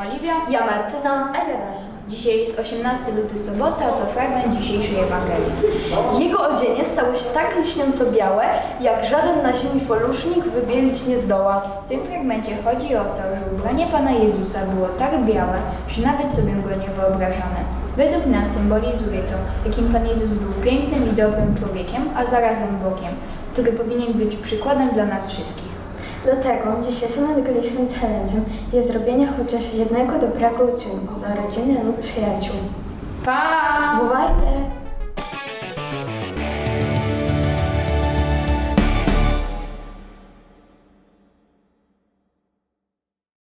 Oliwia. Ja Martyna. A ja Dasia. Dzisiaj jest 18 luty, sobota, to fragment dzisiejszej Ewangelii. Jego odzienie stało się tak lśniąco białe, jak żaden na ziemi folusznik wybielić nie zdoła. W tym fragmencie chodzi o to, że ubranie Pana Jezusa było tak białe, że nawet sobie go nie wyobrażamy. Według nas symbolizuje to, jakim Pan Jezus był pięknym i dobrym człowiekiem, a zarazem Bogiem, który powinien być przykładem dla nas wszystkich. Dlatego dzisiejszym ewangelicznym challenge'em jest zrobienie chociaż jednego dobrego uczynku dla rodziny lub przyjaciół. Pa! Bywajcie!